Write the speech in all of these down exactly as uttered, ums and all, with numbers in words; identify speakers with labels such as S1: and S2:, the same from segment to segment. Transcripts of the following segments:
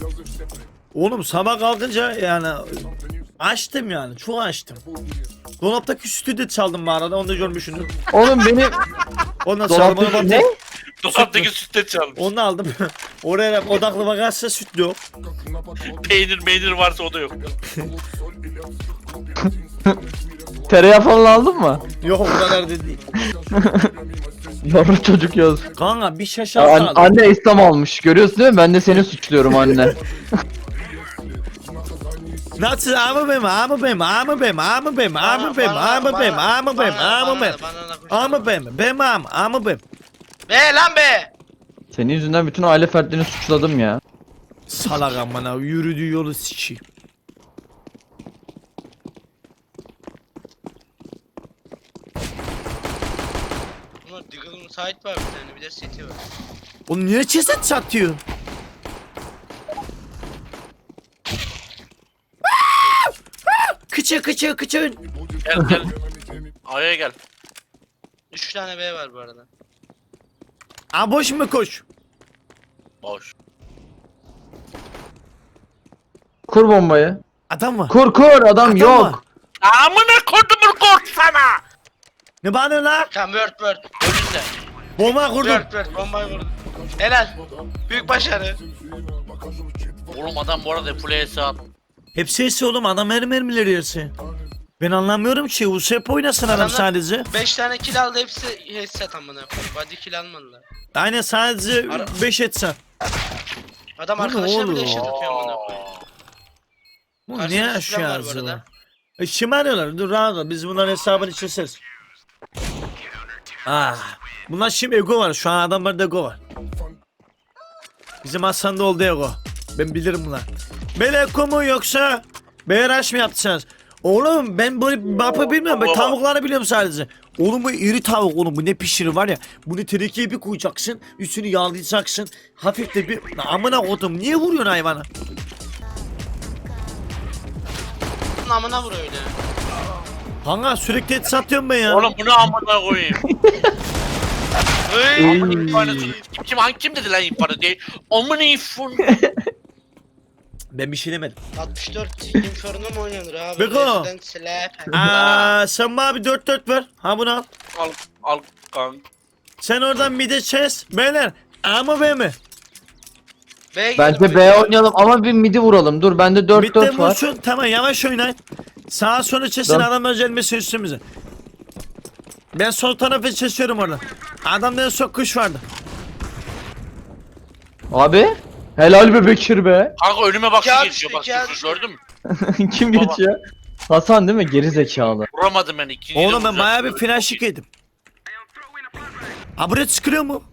S1: Oğlum sabah kalkınca yani açtım yani çok açtım. Dolaptaki sütü de çaldım bu arada onu da görmüşsündür.
S2: Oğlum benim
S1: Ondan çaldım onu
S2: dolaptaki ne?
S3: Dolaptaki sütte çalmış.
S1: Onu aldım. Oraya odaklı bakarsa süt yok.
S3: Peynir meynir varsa o da yok.
S2: Tereyağı falan aldın mı?
S1: Yok o kadar da değil.
S2: Yavru çocuk yaz.
S1: Kanka bir
S2: An-
S1: şaşal kaldı.
S2: anne İslam almış. Görüyorsun değil mi? Ben de seni suçluyorum anne.
S1: Nasıl ama benim ama benim ama benim ama benim ama benim ama benim ama benim ama benim ama benim benim ama ama benim.
S3: Be lan be.
S2: Senin yüzünden bütün aile fertlerini suçladım ya.
S1: Salak amına yürüdüğü yolu sikeyim.
S4: Ama Diggle'ın site var bir tane, bir de seti var.
S1: Oğlum niye ceset satıyor? Kıçı kıçı kıçı.
S3: Gel gel. Aya gel.
S4: Üç tane B var bu arada.
S1: Aa boş mu koş?
S3: Boş.
S2: Kur bombayı.
S1: Adam var.
S2: Kur kur adam,
S1: Adam
S2: yok.
S1: var.
S3: Amına kodumun kort sana.
S1: Ne bana lan?
S4: Tamam, word word. Önünde.
S1: Bomba kurdum.
S4: Word word. Bombayı vurdum. Helal. Büyük başarı.
S3: Oğlum adam bu arada full hesap.
S1: Hepsi hepsi oğlum adam her mermileri yerse. Ben anlamıyorum ki U S P oynasın adam
S4: Adamlar-
S1: sadece.
S4: beş tane kill aldı, hepsi headset amına koyayım. Body kill almadılar.
S1: Aynen sadece
S4: Ara-
S1: beş etsen.
S4: Adam
S1: Bu ne
S4: arkadaşına
S1: oğlum?
S4: bile eşit atıyor amına koyayım.
S1: Bu
S4: Karşıda
S1: niye
S4: sistem var bu
S1: şu an
S4: arada.
S1: E şımarıyorlar dur rahat ol biz bunların hesabını çözeriz. Ah. Bunlar şimdi ego var şu an adamlarda ego var. Bizim Hasan'da oldu ego. Ben bilirim bunlar. Ben ego mu yoksa B R H mı yaptınız? Oğlum ben böyle bapı bilmiyorum ben tavukları biliyorum sadece. Oğlum bu iri tavuk oğlum bu ne pişirir var ya. Bunu tenekeye bir koyacaksın üstünü yağlayacaksın. Hafif de bir amına kodum niye vuruyorsun hayvana?
S4: Amına vur öyle.
S1: Kanka sürekli et satıyorum ben ya.
S3: Oğlum bunu amına koyayım.
S4: Hey.
S3: Amına infarını kim kim hangi kim dedi lan infarı diye. Amına infun.
S1: Ben bir şey demedim.
S4: altmış dört Inferno mu oynanır abi?
S1: Beko.
S4: Resident Slap.
S1: Aa, sen bana bir dört dört ver. Ha bunu al.
S3: Al al kank.
S1: Sen oradan bir de çez. Beyler. Ama be mi?
S4: B'ye girdim
S2: Bence
S4: öyle.
S2: B oynayalım ama bir midi vuralım. Dur bende dört
S1: Bitti
S2: dört var.
S1: vursun. Tamam yavaş oynayın. Sağa sola çesin
S2: Dön.
S1: adam özelmesi üstümüze. Ben sol tarafı çeşiyorum orada. Adamda en son kuş vardı.
S2: Abi. Helal be Bekir be.
S3: Kanka önüme bak
S4: Kağıt
S3: geçiyor
S4: işte,
S3: bak
S4: kağıt
S3: şu-
S4: işte.
S3: gördün mü?
S2: Kim
S3: Baba.
S2: geçiyor? Hasan değil mi? Geri zekalı.
S3: Vuramadım ben ikinciyi de
S1: Oğlum ben
S3: vuracağım.
S1: bayağı bir flash yedim. Aburet sıkılıyor mu?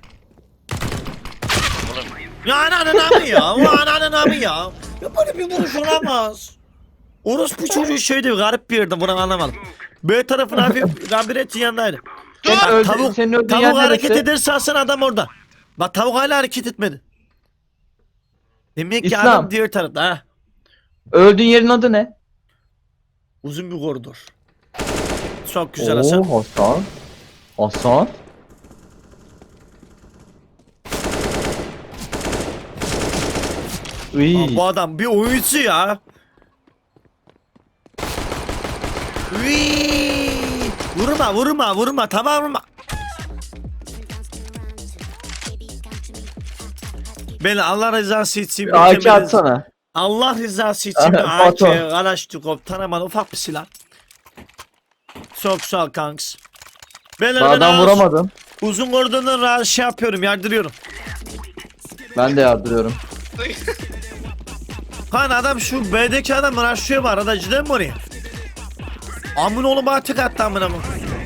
S3: Oğlum,
S1: Ya ananın amı ya. O ananın amı ya. Ya böyle bir vuruş olamaz. Orospu çocuğu şeydi garip bir yerde bunu anlamadım. B tarafına hafif labirentin yanındaydı.
S2: Senin
S1: Bak,
S2: öldü-
S1: tavuk,
S2: senin öldüğün
S1: tavuk
S2: yer
S1: hareket
S2: neresi?
S1: ederse alsın adam orada. Bak tavuk hala hareket etmedi. Demek ki
S2: İslam.
S1: adam diğer tarafta ha.
S2: Öldüğün yerin adı ne?
S1: Uzun bir koridor. Çok güzel Hasan.
S2: Oo, Hasan. Hasan. Iy.
S1: Aa, bu adam bir oyuncu ya. Uyyy. Vurma vurma vurma tamam vurma. Ben Allah rızası için
S2: A K
S1: mükemmel-
S2: atsana.
S1: Allah rızası için bir
S2: Aha,
S1: A K,
S2: Batu.
S1: Kalaşnikov, tanımalı ufak bir silah. Çok sağ ol kanks. Ben
S2: Daha adam
S1: hemen
S2: vuramadım.
S1: uzun koridordan rahat şey yapıyorum, yardırıyorum.
S2: Ben de yardırıyorum.
S1: Kan adam şu B'deki adam raşlıyor var, arada cidden mi oraya? Amın oğlum bana tık attı amına mı?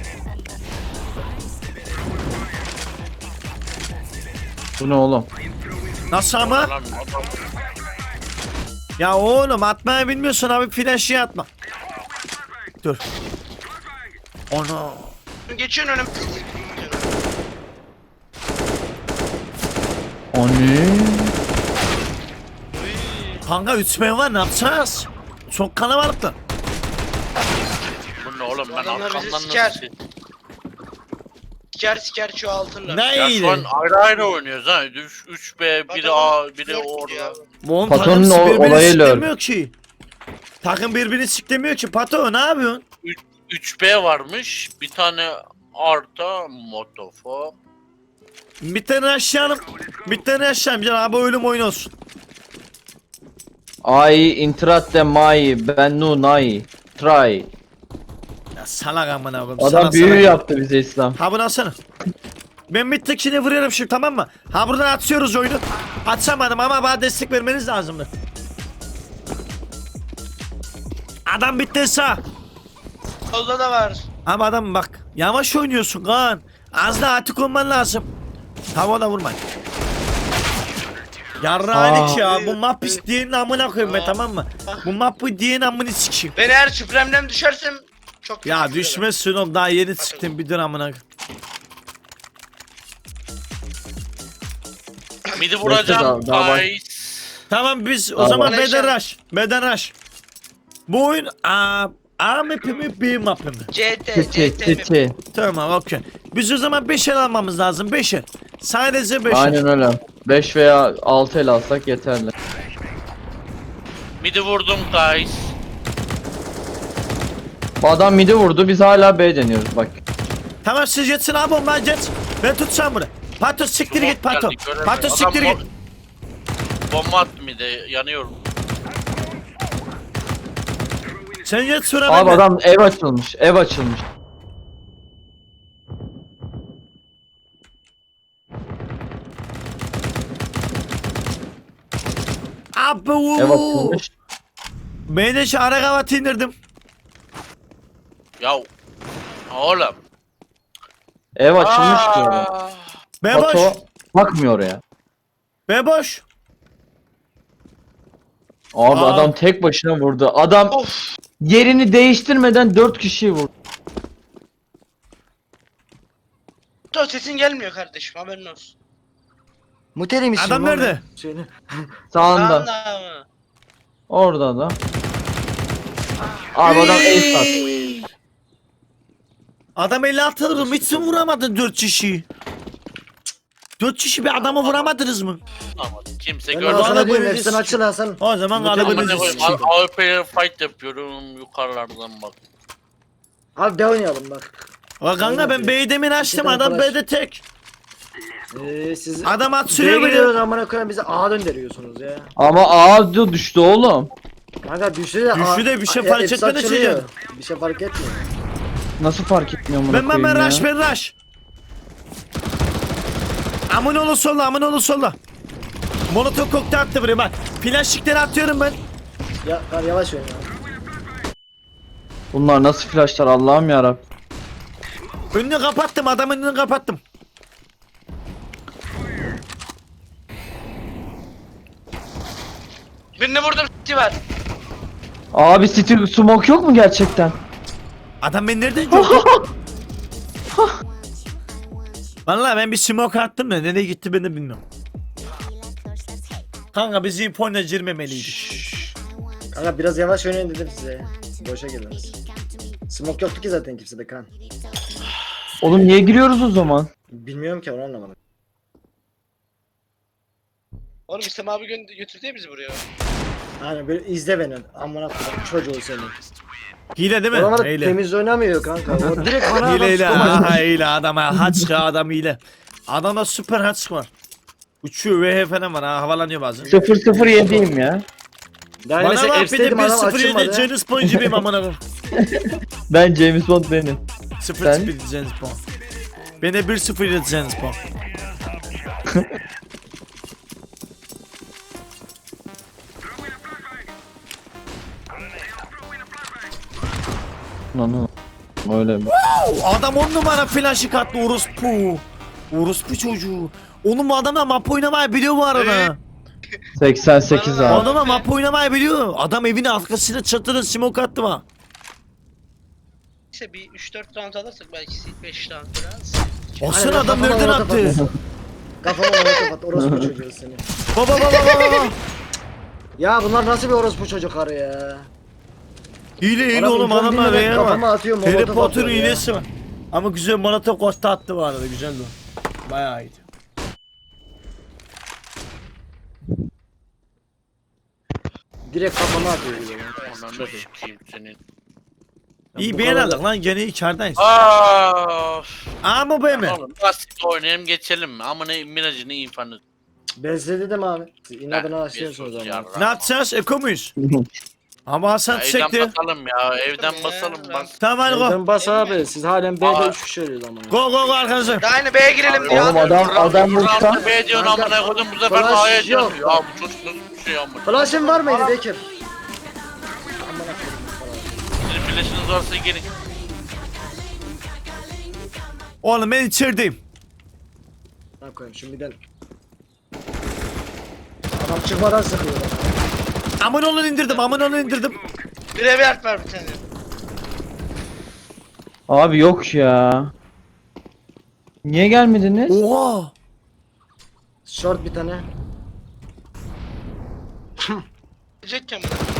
S2: Bu ne oğlum?
S1: Nasıl ama?
S3: lan adam-
S1: Ya oğlum atmayı bilmiyorsun abi flash'ı atma. Dur. Onu.
S4: Geçiyorsun önüm.
S2: Anne.
S1: Kanka üç men var ne yapacağız? Çok kalabalıklar.
S3: Bu ne oğlum ben
S4: Adamlar bizi
S3: arkamdan
S4: siker.
S3: nasıl...
S4: Siker siker çoğaltırlar.
S1: Ne
S3: Ya
S1: iyiydi?
S3: şu an ayrı ayrı oynuyoruz ha. üç B, biri
S4: Adamın
S3: A, biri
S4: dört
S3: orada.
S4: gidiyor abi.
S1: Bu on
S2: Patonun
S1: takım
S2: o-
S1: birbirini
S2: olayı lör.
S1: siklemiyor ki. Takım birbirini siklemiyor ki. Pato ne yapıyorsun?
S3: üç B varmış. Bir tane Arda Motofo.
S1: Bir tane aşağıyalım. Bir tane aşağıyım canım. Abi ölüm oyun olsun.
S2: Ai intratte mai bennu nai. Try.
S1: Ya salak amına koyayım.
S2: Adam
S1: salak
S2: büyü
S1: salak.
S2: yaptı bize İslam.
S1: Ha bunu alsana. Ben bir tekini vuruyorum şimdi, tamam mı? Ha buradan atıyoruz oyunu. Atsamadım ama bana destek vermeniz lazımdı. Adam bitti sağ.
S4: Solda da var.
S1: Ama adam bak yavaş oynuyorsun Kaan. Az daha atık olman lazım. Tamam, ona vurmayın. Yarrağılık
S2: Aa.
S1: ya, bu map isteyenin amına koyayım be,
S4: Aa.
S1: tamam mı? Bu mapı diyenin amını sikeyim.
S4: Ben eğer süpremden düşersem çok kötü
S1: Ya
S4: oluyor.
S1: düşmezsin oğlum, daha yeni çıktım bir dur amına koyayım.
S3: Midi vuracağım.
S2: daha- daha var.
S3: Guys.
S1: Tamam biz o
S2: Tamam.
S1: zaman
S4: Bana işaret-
S1: beden rush. Beden rush. Bu oyun A, A map'i mi B map'i mi?
S4: C T,
S2: Çi
S4: C T mi?
S2: çi çi.
S1: Tamam, okey. Biz o zaman beş el almamız lazım, beş el. Sadece beş el.
S2: Aynen öyle. beş veya altı el alsak yeterli.
S3: Midi vurdum guys.
S2: Bu adam midi vurdu, biz hala B deniyoruz bak.
S1: Tamam siz geçsin abi, onlar geç. Ben tutsam bunu. Pato siktir git Pato.
S3: Geldi, göremedim.
S1: Pato
S3: Adam
S1: siktir
S3: bom-
S1: git.
S3: Bomba attı midi, yanıyorum.
S1: Sen geç sıra
S2: Abi
S1: bende.
S2: adam ev açılmış, ev açılmış.
S1: Abi
S2: Ev
S1: uuu.
S2: açılmış.
S1: Ben de şu ara kavatı indirdim.
S3: Ya oğlum.
S2: Ev açılmış diyorum.
S3: Aa,
S1: Be boş.
S2: Pato bakmıyor oraya.
S1: Be boş.
S2: Abi
S1: Aa.
S2: adam tek başına vurdu. Adam
S4: Of.
S2: yerini değiştirmeden dört kişiyi vurdu.
S4: Dur, sesin gelmiyor kardeşim, haberin olsun.
S5: Muteli misin?
S1: Adam
S5: lan?
S1: nerede?
S5: Söyle.
S2: Sağında.
S4: Anda mı?
S2: Orada da. Abi adam ace attı.
S1: Adam elli altı alırım. Hiç mi vuramadın dört kişiyi? dört kişi bir adamı vuramadınız mı?
S3: ama kimse
S5: Ben
S3: görmedi.
S1: Bana
S5: Hasan'a diyorum
S1: böyle
S5: hepsini
S1: bir-
S5: açıl Hasan.
S1: O zaman
S5: Muteli
S1: adamı
S3: Amına
S5: Amına
S3: koyayım,
S1: sikeyim.
S3: A W P'ye fight yapıyorum yukarılardan bak.
S5: Abi de oynayalım bak.
S1: O kanka ben B'yi demin açtım, adam
S5: arkadaş.
S1: B'de tek.
S5: Ee, siz
S1: Adam at
S5: B'ye
S1: sürüyor
S5: gidiyoruz
S1: beni.
S5: amına koyayım, bize A döndürüyorsunuz ya.
S2: Ama ağzı düştü oğlum.
S5: Kanka düştü de
S1: Düştü
S5: A-
S1: de bir şey
S5: A-
S1: fark
S5: hepsi
S1: etmedi
S5: açılıyor.
S1: çocuk.
S5: Bir şey fark etmiyor.
S2: Nasıl fark etmiyor bunu
S1: Ben ben ben
S2: koyayım
S1: rush
S2: ya?
S1: ben rush. Aminoğlu solla, Aminoğlu solla. Molotov kokteyl attı buraya bak. Plastikleri atıyorum ben.
S5: Ya kar yavaş oyna.
S2: Bunlar nasıl flashlar Allah'ım yarabbim.
S1: Önünü kapattım, adamın önünü kapattım.
S4: Birini vurdum, s**ti var.
S2: Abi City smoke yok mu gerçekten?
S1: Adam beni nereden gördü? Vallahi ben bir smoke attım da nereye gitti ben de bilmiyorum. Kanka biz infoyla girmemeliydik.
S5: Kanka biraz yavaş oynayın dedim size. Boşa girdiniz. Smoke yoktu ki zaten kimsede kan.
S2: Oğlum niye giriyoruz o zaman?
S5: Bilmiyorum ki, onu anlamadım.
S4: Oğlum İslam abi gö- götürdü ya bizi buraya.
S5: Hani böyle izle beni. Amına koyayım çocuğu seni.
S1: Hile değil mi?
S5: Oralar
S1: Hile.
S5: temiz oynamıyor kanka. O direkt bana
S1: Hile hile.
S5: adam
S1: Aha hile adama. Haçka adam hile. Adamda süper haç var. Uçuyor V H falan var ha, havalanıyor bazen.
S2: sıfır sıfır yediyim ya.
S5: Daha
S1: Bana
S5: mesela
S1: bak bir de
S5: F'steydim
S1: bir
S5: adam
S1: sıfır yedi
S5: açılmadı.
S1: Janis Bond gibiyim amına koyayım.
S2: Ben James Bond benim.
S1: sıfır
S2: Sen?
S1: sıfır Janis Bond. Ben de bir sıfır yedi Janis Bond.
S2: Lan öyle mi?
S1: Adam on numara flaşı kattı orospu. Orospu çocuğu. Oğlum bu adam da map oynamayı biliyor bu arada.
S2: seksen sekiz
S1: Bu
S2: abi.
S1: adam da map oynamayı biliyor. Adam evin arkasına çatırın smoke attı mı?
S4: İşte bir üç dört round alırsak belki beş round biraz.
S1: Olsun
S5: Aynen,
S1: adam
S5: kafama
S1: nereden
S5: molotof
S1: attı?
S5: attı. Kafama molotof attı. Orospu çocuğu seni.
S1: Baba baba baba baba.
S5: Ya bunlar nasıl bir orospu çocukları ya?
S1: Hile hile
S5: Adam
S1: oğlum
S5: info
S1: adamlar
S5: bilmeden
S1: reyna
S5: kafama
S1: var.
S5: atıyor,
S1: Harry
S5: molotof
S1: Potter
S5: atıyor ya.
S1: hilesi var. Ama güzel Molotov kosta attı bu arada, güzeldi o. Bayağı iyiydi.
S5: Direkt kafama atıyor bir de.
S3: Ananı sikeyim senin.
S1: İyi
S5: bu
S1: beğen
S5: kadar-
S1: aldık lan gene içerideyiz.
S3: Aa.
S1: Aa mı be mi?
S3: Oğlum basit oynayalım geçelim mi? Ama ne Miracı ne infanı.
S5: Ben size dedim abi. Siz inadına açıyorsunuz ama.
S1: Ne yapacağız? Eko muyuz? Ama Hasan
S3: Evden
S1: çekti.
S3: basalım ya. Evden basalım bas.
S1: Tamam hadi go.
S5: Ben bas abi. Siz halen B'de
S3: Aa.
S5: üç kişi ölüyoruz ama.
S1: Go go go arkadaşlar.
S4: Daha yine B'ye girelim diyor.
S2: Oğlum adam adam vursa.
S3: B diyorsun
S5: Kanka,
S3: amına koydum bu sefer
S5: flash
S3: A'ya
S5: yok.
S3: diyorsun. Ya bu çocuk nasıl bir şey amına.
S5: Flash'ın var mıydı Bekir?
S3: Sizin flash'ınız varsa gelin.
S1: Oğlum ben içerideyim.
S5: Ne koyayım şimdi ben. Adam çıkmadan sıkıyor.
S1: Aman onu indirdim aman onu indirdim.
S4: Graveyard var bir tane.
S2: Abi yok ya. Niye gelmediniz?
S1: Oha.
S5: Short bir tane.
S4: Diyecekken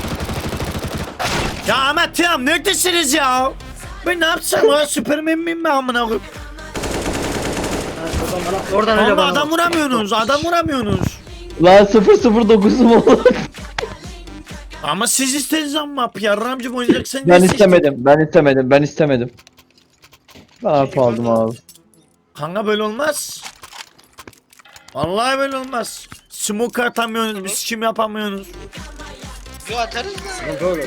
S1: Ya Ahmet ya neredesiniz ya? Ben ne yapsam ya Süpermen miyim ben amına koyayım?
S5: Ha, oradan bana, oradan öyle
S1: Ama
S5: bana.
S1: adam
S5: bak.
S1: vuramıyorsunuz adam vuramıyorsunuz.
S2: Lan sıfır sıfır dokuzum olur.
S1: Ama siz istediniz ama yarramcım oynayacaksın.
S2: Ben istemedim. Ben istemedim. Ben istemedim. Ben harp aldım abi.
S1: Kanka böyle olmaz. Vallahi böyle olmaz. Smoke atamıyorsunuz, biz kim yapamıyorsunuz.
S4: Yo atarız da.
S5: Sıkıntı oldu.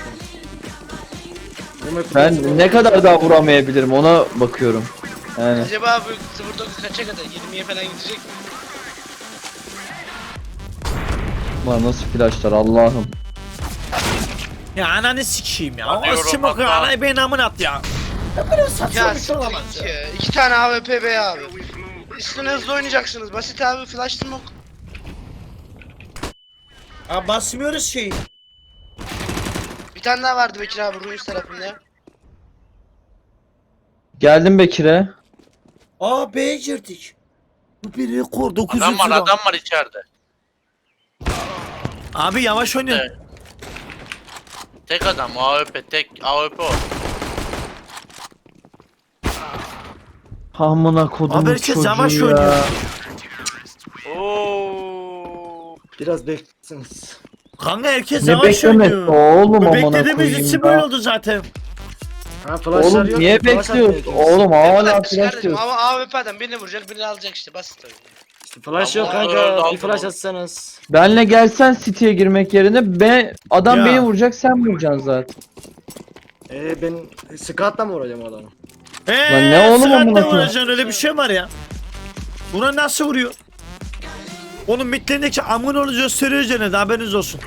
S2: Ben ne kadar daha vuramayabilirim ona bakıyorum. Yani
S4: Acaba bu sıfır dokuz kaça kadar? yirmiye falan gidecek mi?
S2: lan nasıl flashlar Allah'ım.
S1: Ya ananı sikeyim ya.
S3: Hadi
S1: O
S3: yorum
S1: smoke
S3: atma.
S1: anayı benim amına at ya. Ya böyle saçma
S4: Ya
S1: bir şey olamaz
S4: siktir
S1: ya.
S4: ya. İki tane A W P B abi. Üstüne hızlı oynayacaksınız. Basit abi flash smoke.
S1: Abi basmıyoruz şeyi.
S4: Bir tane daha vardı Bekir abi Ruins tarafında.
S2: Geldim Bekir'e.
S1: Aa B'ye girdik. Bu bir rekor dokuz
S3: Adam
S1: yüz
S3: var
S1: lira.
S3: adam var içeride.
S1: Abi yavaş oynayın.
S3: Evet. Tek adam A W P tek A W P o.
S2: Amına kodumun
S1: Abi herkes
S2: çocuğu
S1: yavaş
S2: ya.
S1: oynuyor.
S3: Oo.
S5: Biraz beklesiniz.
S1: Kanka herkes
S2: Ne
S1: yavaş
S2: beklemesi
S1: oynuyor.
S2: oğlum
S1: Bu
S2: amına
S1: beklediğimiz
S2: koyayım
S1: için böyle
S2: ya.
S1: oldu zaten.
S5: Ha flashlar
S2: Oğlum
S5: yok.
S2: niye
S5: flash
S2: bekliyorsun?
S5: atmıyor.
S2: Oğlum
S4: Ne
S2: hala
S4: kadar
S2: flash
S4: kardeşim
S2: diyorsun.
S4: ama A W P adam birini vuracak birini alacak işte basit öyle.
S5: İşte flash yok
S3: Ama
S5: kanka.
S3: öyle
S5: Bir flash
S3: aldım.
S5: atsanız.
S2: Benle gelsen City'ye girmek yerine be adam
S1: Ya.
S2: beni vuracak sen vuracaksın zaten.
S5: Ee ben Scott'la mı vuracağım o adamı?
S1: Eee
S2: Lan ne oğlum
S1: sıratta
S2: amına koyayım?
S1: vuracaksın öyle bir şey var ya. Buna nasıl vuruyor? Onun mitlerindeki amın onu gösteriyor cennet haberiniz olsun.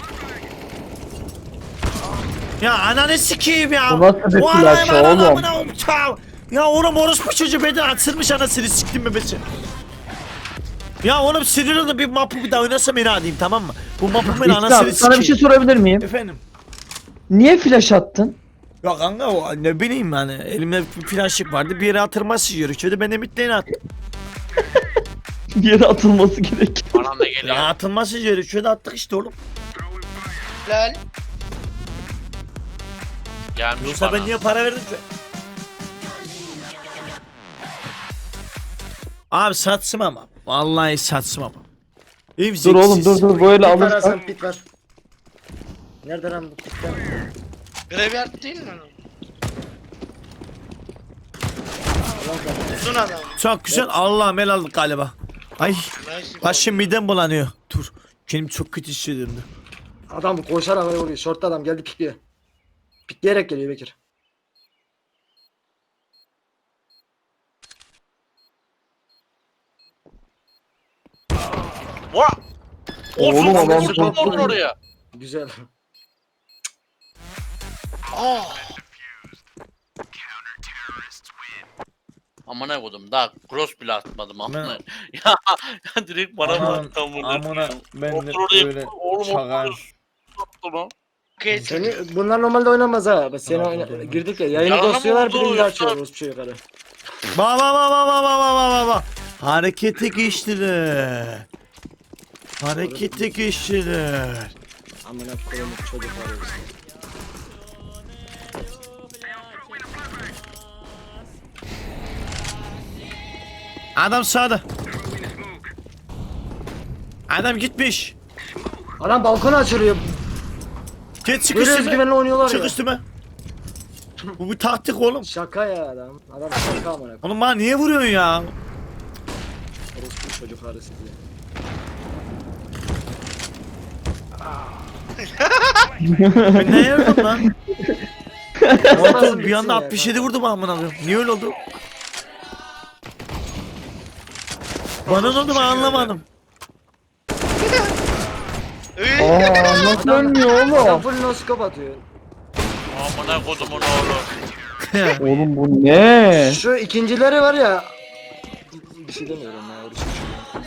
S1: Ya ananı sikeyim ya.
S2: Bu nasıl bir
S1: O
S2: flash
S1: anayı bana
S2: oğlum?
S1: amına koyayım. Ya. Ya oğlum orospu çocuğu beni atırmış anasını siktim bebesi. Ya oğlum sinir oldum bir mapı bir daha oynasam beni adayım tamam mı? Bu mapı beni
S2: İslam
S1: anasını
S2: sana bir şey
S1: sikeyim.
S2: sorabilir miyim?
S1: Efendim.
S2: Niye flash attın?
S1: Ya kanka o ne bileyim yani elimde bir flaşık vardı bir yere atırması gerekiyordu ben de mitlerini attım.
S2: Bir yere atılması gerek.
S3: Bana da geliyor.
S1: Ya atılması gerekiyordu attık işte oğlum.
S4: Lal.
S3: Gelmiş
S1: Yoksa
S3: bana.
S1: ben niye para verdim ki? Abi satsım ama. Vallahi satsım ama. İyiyim,
S2: Dur oğlum
S1: zevksiz.
S2: dur dur böyle
S5: Pit var
S2: alırsan.
S5: Hasan pit var. Nerede lan bu pitler?
S4: Graveyard değil mi lan o?
S5: Ulan kanka.
S4: Uzun adam.
S1: Çok güzel. Allah'ım el aldık galiba. Ay
S4: Nice.
S1: başım midem bulanıyor. Dur. Kendimi çok kötü hissediyorum. dur.
S5: Adam koşarak öyle vuruyor. Short'ta adam geldi pikliyor. Pikleyerek geliyor Bekir.
S3: Vaa!
S2: Oğlum,
S3: Oğlum
S2: adam
S3: adam
S2: çok-
S3: vurdun oraya.
S5: Güzel.
S3: Aa. Amına koydum daha cross bile atmadım amına. Ya, ya direkt bana mı
S1: Aman,
S3: attı amına?
S1: amına, ben de
S3: Otur oraya,
S1: böyle
S3: oğlum,
S1: çakar.
S3: otur. Attı lan.
S4: Okay,
S5: Seni bunlar normalde oynamaz ha. Bak seni oyna- girdik ya. Yayını
S3: Yalan
S5: dostluyorlar
S3: oldu,
S5: birini
S3: yoksa-
S5: açıyoruz bir şey yukarı.
S1: Ba ba ba ba ba ba ba ba ba ba. Harekete geçtiler. Harekete geçtiler.
S5: Amına koyayım çocuk var ya işte.
S1: Adam sağda. Adam gitmiş.
S5: Adam balkona açılıyor.
S1: Geç çık
S5: Böyle
S1: üstüme.
S5: özgüvenle oynuyorlar
S1: Çık
S5: ya.
S1: üstüme. Bu bir taktik oğlum.
S5: Şaka ya adam. Adam şaka amına.
S1: Oğlum bana niye vuruyorsun ya?
S5: Orospu çocuk arası diye.
S1: Ben ne yaptım lan?
S5: Nasıl
S1: Oğlum bir
S5: bitsin
S1: anda
S5: ya,
S1: altmış yedi
S5: kanka?
S1: vurdum amına koyayım. Niye öyle oldu? Bana ne oldu ben anlamadım.
S4: Üy.
S2: Aa nasıl ölmüyor
S5: Adam
S2: oğlum?
S5: full noskop atıyor.
S3: Amına kodumun oğlu.
S2: Oğlum bu ne?
S5: Şu ikincileri var ya. Bir şey demiyorum ya. Orospu çocuğu.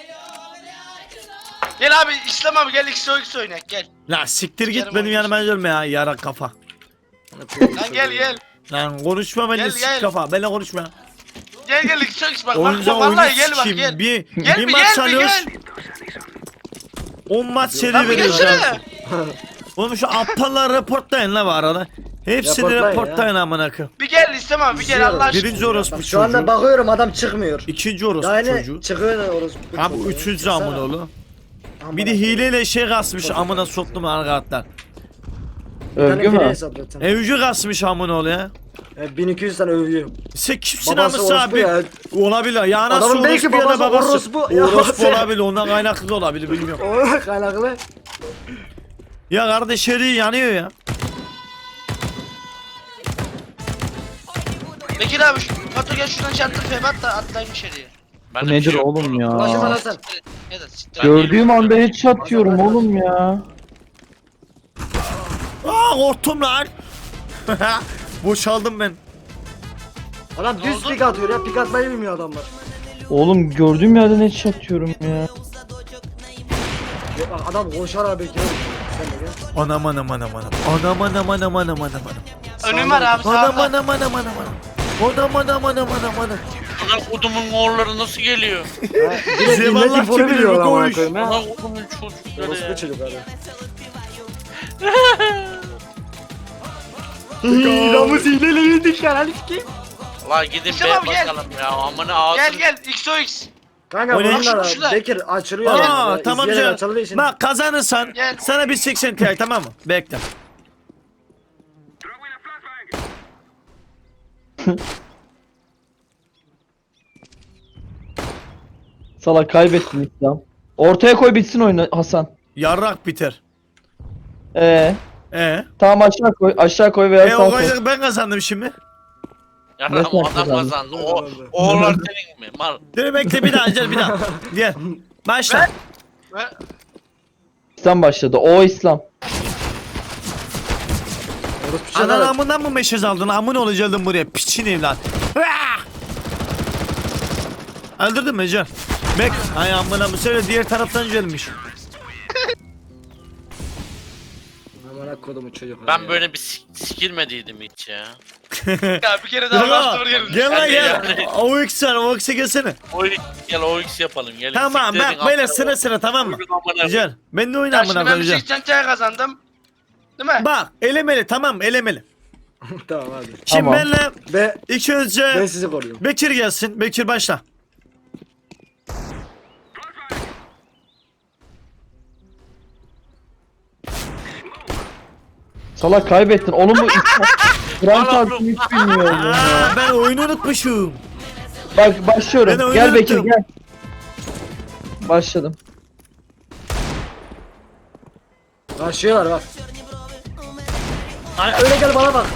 S4: Gel abi İslam abi gel X O X oynak gel.
S1: La siktir git
S4: Sikerim
S1: benim
S4: oyunu.
S1: yanıma gelme ya yara kafa.
S4: Lan gel gel.
S1: Lan konuşma benimle
S4: Gel,
S1: sik
S4: gel.
S1: kafa. Benimle konuşma.
S4: Gel gel X O X bak bak
S1: Oyunca
S4: bak
S1: oyunu
S4: vallahi gel bak
S1: sikeyim.
S4: gel.
S1: Bir,
S4: Gel
S1: bir
S4: bir
S1: maç
S4: gel bir
S1: alıyoruz.
S4: gel.
S1: on maç seri
S4: Lan bir
S1: veriyoruz.
S4: gelsene.
S1: Oğlum şu aptalları reportlayın la bu arada. Hepsini
S5: Reportlayın
S1: reportlayın amına koyayım.
S4: Bir gel İslam abi bir gel Allah aşkına.
S1: Birinci orospu
S5: Bak, şu anda
S1: çocuğu.
S5: bakıyorum adam çıkmıyor.
S1: İkinci orospu
S5: Daha yeni
S1: çocuğu.
S5: çıkıyor da orospu
S1: Ha bu
S5: çocuğu.
S1: üçüncü
S5: Çıksana.
S1: amına oğlum.
S5: Amına
S1: Bir de
S5: koyayım.
S1: hileyle şey kasmış amına soktum arkadaşlar.
S5: Bir tane
S2: Övgü
S5: file
S2: mü?
S5: hesap zaten.
S1: Evcü kasmış amına oğlu ya.
S5: E, bin iki yüz tane övüyor.
S1: Sen kimsin
S5: Babası
S1: amısı
S5: orospu
S1: abi?
S5: ya.
S1: Olabilir. Ya nasıl
S5: Adamın belki
S1: orospu ya da
S5: babası
S1: babası.
S5: orospu. Ya
S1: Orospu
S5: sen-
S1: olabilir. Ondan kaynaklı da olabilir bilmiyorum.
S5: O kaynaklı.
S1: Ya kardeş heri yanıyor ya.
S4: Bekir abi şu Pato gel şuradan çarptır febat da atlayayım içeriye.
S3: Ben
S2: Bu
S3: de bir
S2: nedir
S3: şey yok
S2: oğlum
S3: oğlum.
S2: ya?
S5: Ulaşım Hasan.
S4: Ya da siktir.
S2: Gördüğüm anda headshot diyorum oğlum ya.
S1: Aa korktum lan. Boşaldım ben.
S5: Adam
S4: Ne
S5: düz
S4: oldu?
S5: pik atıyor ya. Pik atmayı bilmiyor adamlar.
S2: Oğlum gördüğüm yerden headshot diyorum ya.
S5: Ya bak, adam koşar abi bekliyor. Sen de gel.
S1: Anam anam anam anam. Anam anam anam anam anam anam.
S4: Önüm var abi
S1: Anam
S4: sağda.
S1: anam anam anam anam. Anam anam anam anam anam.
S3: Amına kodumun oğulları nasıl geliyor?
S5: Ha, direkt
S1: Zevallah
S5: milletin fonu
S1: gibi
S5: biliyor
S1: bir
S5: amına
S1: koyuş.
S5: koyayım ha.
S3: Amına kodumun çocukları
S5: Orospu
S3: ya.
S5: çocuk abi. Ramız hileli yedik ya lan ki.
S3: La gidin
S4: İslam
S3: be
S4: abi gel.
S3: bakalım ya. Amına ağzını.
S4: Gel gel X O X.
S5: Kanka
S1: O ne?
S5: bunlar
S4: Şurada.
S5: Bekir açılıyor.
S1: Aa
S5: yani.
S1: tamam
S5: İzleyerek
S1: canım.
S5: açıldığı için.
S1: Bak kazanırsan
S4: Gel.
S1: sana bir seksen Ti tamam mı? Bekle.
S2: Salak kaybettin İslam. Ortaya koy bitsin oyunu Hasan.
S1: Yarrak biter.
S2: Ee,
S1: E.
S2: tamam aşağı koy, aşağı koy veya
S1: E
S2: sağ
S1: o
S2: koy.
S1: kadar ben kazandım şimdi.
S3: Yarram
S2: Nasıl
S3: adam
S2: kazandın?
S3: kazandı. O, oğullar senin mi? Mal.
S1: Dur bekle bir daha gel bir daha. Gel. Başla.
S4: Ve
S2: İslam başladı. O İslam.
S5: Orospu çocuk
S1: Anan
S5: abi.
S1: amından mı meşez aldın? Amın olacaktın buraya. Piçin evlat. Ah! Öldürdün mü Ece? Bek. Ay amına mı söyle diğer taraftan gelmiş.
S5: Amına kodumu çocuk abi
S3: Ben
S5: ya.
S3: böyle bir sik sikilmediydim hiç ya.
S4: ya bir kere daha bastır
S1: Gel
S4: gelin.
S1: gel lan
S3: Hadi
S1: gel.
S3: yani.
S1: O X var o X'e gelsene.
S3: O gel o X yapalım. Gelin.
S1: Tamam
S3: Siktirin
S1: bak böyle
S3: amına
S1: sıra sıra tamam mı?
S3: koyun amına.
S1: Güzel. Ben de oyna
S4: Ya
S1: amına
S4: şimdi ben bir
S1: koyacağım.
S4: seksen Ti kazandım. Değil mi?
S1: Bak elemeli tamam mı? Elemeli.
S5: Tamam hadi.
S1: Şimdi
S2: Tamam.
S1: benle
S5: Be
S1: ilk
S5: ben
S1: önce
S5: sizi koruyorum.
S1: Bekir gelsin. Bekir başla.
S2: Salak kaybettin. Oğlum bu İslam. Frank
S3: Valla
S2: altını hiç bilmiyorum ya.
S1: Aa ben oyunu unutmuşum.
S2: Bak
S1: Ben
S2: başlıyorum.
S1: oyunu
S2: Gel Bekir
S1: unuttum.
S2: gel. Başladım.
S5: Başlıyorlar bak. Ay, öyle gel bana bak.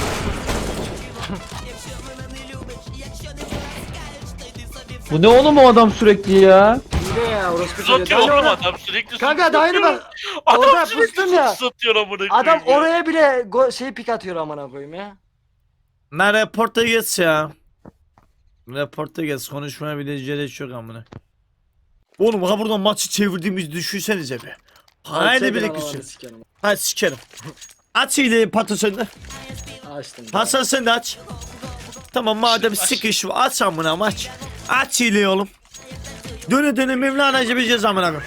S2: Bu ne oğlum o adam sürekli ya?
S5: Hile ya orospu
S3: Tuz
S5: çocuğu.
S3: atıyor
S5: Daha
S3: oğlum
S5: oraya-
S3: adam sürekli.
S5: Kanka
S3: tuz
S5: daha yeni
S3: atıyor.
S5: bak.
S3: Adam
S5: Orada
S3: sürekli
S5: pustun ya.
S3: tuz atıyor amına
S5: Adam
S3: koyayım ya.
S5: oraya bile go şey pik atıyor amına koyayım ya.
S1: Lan reporta geç ya. Reporta geç. Konuşmaya bile gerek yok amına. Oğlum ha buradan maçı çevirdiğimizi düşünsenize be. Haydi
S5: Çekin
S1: bir
S5: analarını
S1: küsün.
S5: sikerim.
S1: Hadi sikerim. Aç hileyi Patı sen de.
S5: Açtım.
S1: Hasan sen de aç. Tamam madem sıkış var aç amına aç. Aç hileyi oğlum. Döne döne Mevlana cebeceğiz amına koyayım.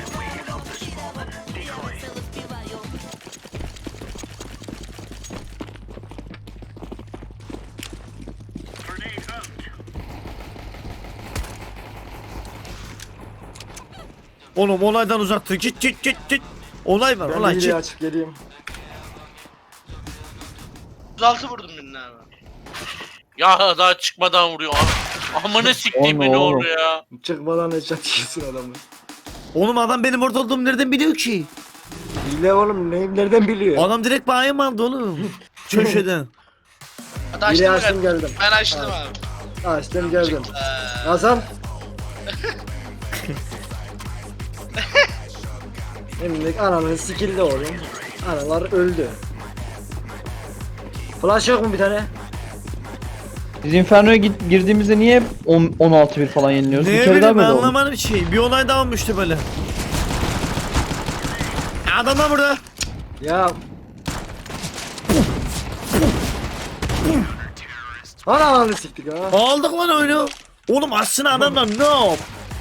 S1: Oğlum olaydan uzak dur. Git git git git. Olay var
S5: Ben
S1: olay
S5: hileyi
S1: git.
S5: açıp geleyim.
S4: otuz altı vurdum birine abi.
S3: Ya daha çıkmadan vuruyor. Amına siktiğim beni
S2: Oğlum,
S3: oraya.
S5: Çıkmadan headshot yiyorsun adamı.
S1: Oğlum adam benim orada olduğumu nereden biliyor ki?
S5: Hile oğlum neyim nereden biliyor?
S1: Adam direkt bayım aldı oğlum. Köşeden.
S4: Hadi
S5: Hile
S4: açtım
S5: açtım
S4: ben.
S5: geldim.
S4: Ben açtım
S5: Evet.
S4: abi.
S5: Açtım geldim.
S4: Ee,
S5: Hasan. Şimdi ananın skill'de oğlum. Analar öldü. Flash yok mu bir tane?
S2: Biz Inferno'ya git- girdiğimizde niye hep on- on altı bir falan yeniliyoruz?
S1: Ne
S2: Bir kere daha
S1: bileyim ben
S2: böyle oldu.
S1: anlamadım bir şey. Bir olay daha olmuştu böyle. Adamlar burada.
S5: Ya. Ana ananı siktik ha.
S1: Aldık lan oyunu. Oğlum aslında adamlar no.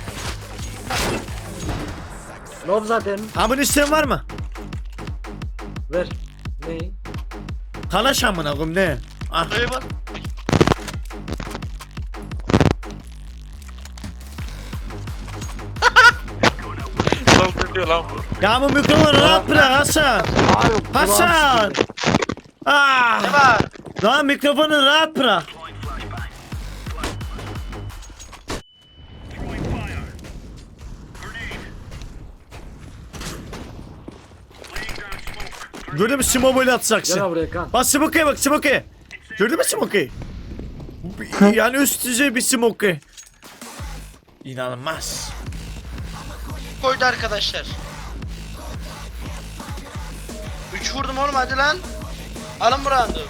S5: Nob zaten.
S1: Abone isteyen var mı?
S5: Ver. Neyi?
S1: Kalaş amına koyayım ne? Ah.
S4: Buraya bak.
S3: Saldırıyor lan bu.
S1: Ya bu mikrofonu rahat bırak Hasan. Hasan.
S4: Ne
S1: Ah.
S4: var?
S1: Lan mikrofonu rahat bırak. Gördün mü Simo böyle
S5: Gel
S1: atacaksın.
S5: buraya kan.
S1: Bak Smoke'ye bak Smoke'ye. Gördün mü Smoke'yi? Yani üst düzey bir Smoke. İnanılmaz.
S4: Koydu arkadaşlar. üç vurdum oğlum hadi lan. Alın bu roundu.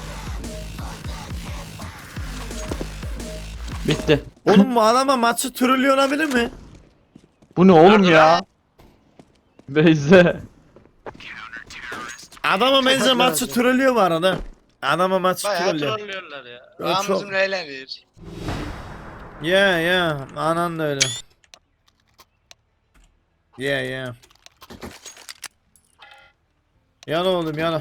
S2: Bitti.
S1: Oğlum bu adama maçı trollüyor olabilir mi?
S2: Bu ne oğlum
S3: Nerede
S2: ya? Beyze.
S1: Adama benzer
S5: Çok
S1: maçı
S5: lazım.
S1: trollüyor bu arada. Adama maçı
S4: Bayağı
S1: trollüyor.
S4: trollüyorlar ya.
S1: Ya
S4: Ağamızın
S1: çok-
S4: eğlenir.
S1: Yeah yeah. Anan da öyle. Yeah yeah. Yana oğlum yana.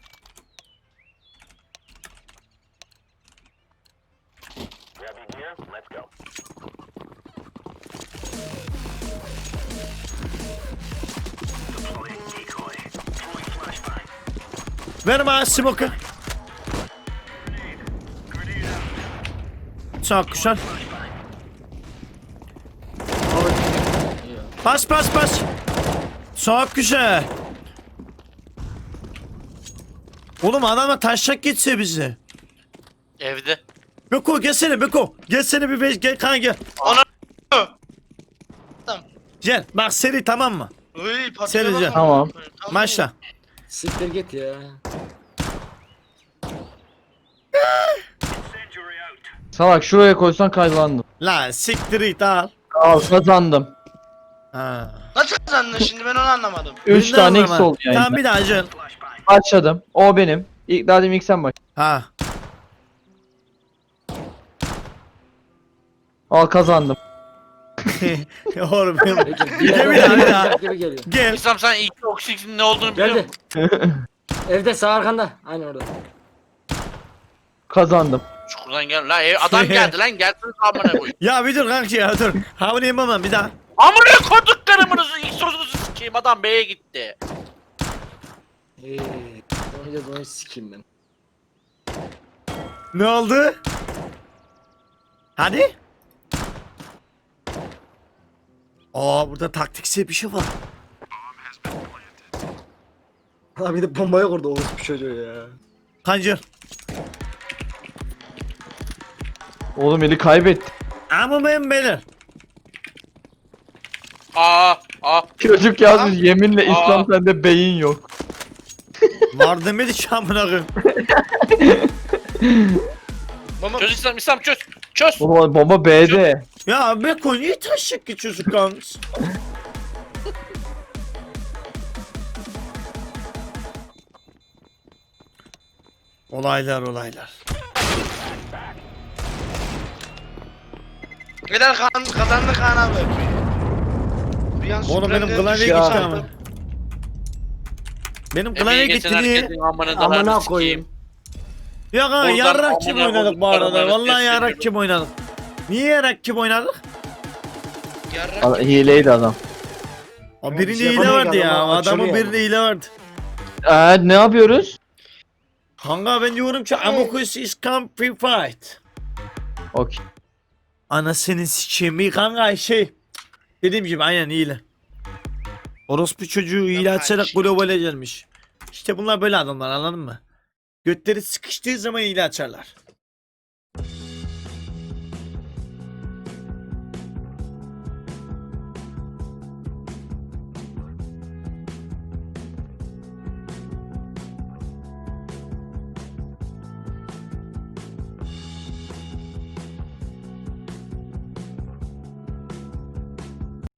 S1: Ver bana smoke'ı. Çok güzel. Bas bas bas. Çok güzel. Oğlum adama taşak geçse bizi.
S3: Evde.
S1: Beko gelsene Beko. Gelsene bir beş gel kan gel.
S4: Ana. Tamam.
S1: Gel bak seri tamam mı?
S4: Uy patiye
S1: Serice.
S4: bakın.
S2: Tamam.
S1: Maçla.
S5: Siktir git ya.
S2: Salak şuraya koysan kazandım.
S1: La siktir it al.
S2: Al kazandım.
S1: Ha.
S4: Nasıl kazandın şimdi ben onu anlamadım.
S2: üç
S1: Birinden
S2: tane
S1: vurma.
S2: X oldu yani.
S1: Tamam bir daha Can.
S2: Başladım. O benim. İlk daha demin ilk sen baş.
S1: Ha.
S2: Al kazandım.
S1: Oğlum benim.
S5: Peki.
S1: Bir de bir daha bir daha.
S5: Gibi geliyor.
S1: Gel.
S3: İslam sen ilk oksijenin ne olduğunu biliyor
S5: Geldi.
S3: musun?
S5: Evde sağ arkanda. Aynen orada.
S2: Kazandım.
S3: Çukurdan gel. La ev, adam geldi lan gelsin amına koy.
S1: Ya bir dur kanki ya dur. Havını yemem bir daha.
S3: Amına koyduklarımınızı ilk sorunuzu sikeyim adam B'ye gitti.
S5: Eee. Oynayacağız onu sikeyim ben.
S1: Ne oldu? Hadi. Aa burada taktiksel bir şey var.
S5: Ha bir de bombaya kurdu orospu çocuğu ya.
S1: Kancır.
S2: Oğlum eli kaybetti.
S1: Ama ben beyler.
S3: Aa aa.
S2: Çocuk yazmış yeminle
S3: Aa.
S2: İslam sende beyin yok.
S1: Var demedi ki amına koyayım.
S4: Mama
S3: Çöz İslam İslam çöz. Çöz.
S2: Oğlum bomba B'de.
S1: Ya Beko niye taşak geçiyorsun kanks? Olaylar olaylar.
S4: Neden kan kazandı Kaan abi. Bir an
S1: Oğlum benim
S4: Suprem'de
S1: klavye
S4: bir
S1: gitti
S4: şey
S1: ama.
S4: yaptım.
S1: Benim
S3: Emeği
S1: klavye
S3: geçen
S1: gitti niye?
S3: herkesin amına
S5: Amına
S3: dalarını
S5: koyayım.
S3: sikeyim.
S1: Ya kanka
S3: Oradan
S1: yarrak kim
S3: amına
S1: oynadık bu arada?
S3: koyduklarım
S1: Vallahi
S3: arasında
S1: yarrak
S3: hissediyorum.
S1: kim oynadık? Niye yarrak kim oynadık?
S4: Yarrak
S2: Al-
S4: gibi.
S2: Hileydi adam.
S1: O
S5: bir
S1: birinde
S5: şey
S1: hile
S5: yapamıyor
S1: vardı
S5: ki
S1: ya.
S5: adam,
S1: Adamın
S5: açılıyor
S1: birinde
S5: ama.
S1: hile vardı.
S2: Ee, ne yapıyoruz?
S1: Kanka ben diyorum ki Amokus is come free fight.
S2: Okey.
S1: Anasını sikeyim iyi kanka şey. Dediğim gibi aynen iyile. Orospu çocuğu hile açarak globale gelmiş. İşte bunlar böyle adamlar anladın mı? Götleri sıkıştığı zaman hile açarlar.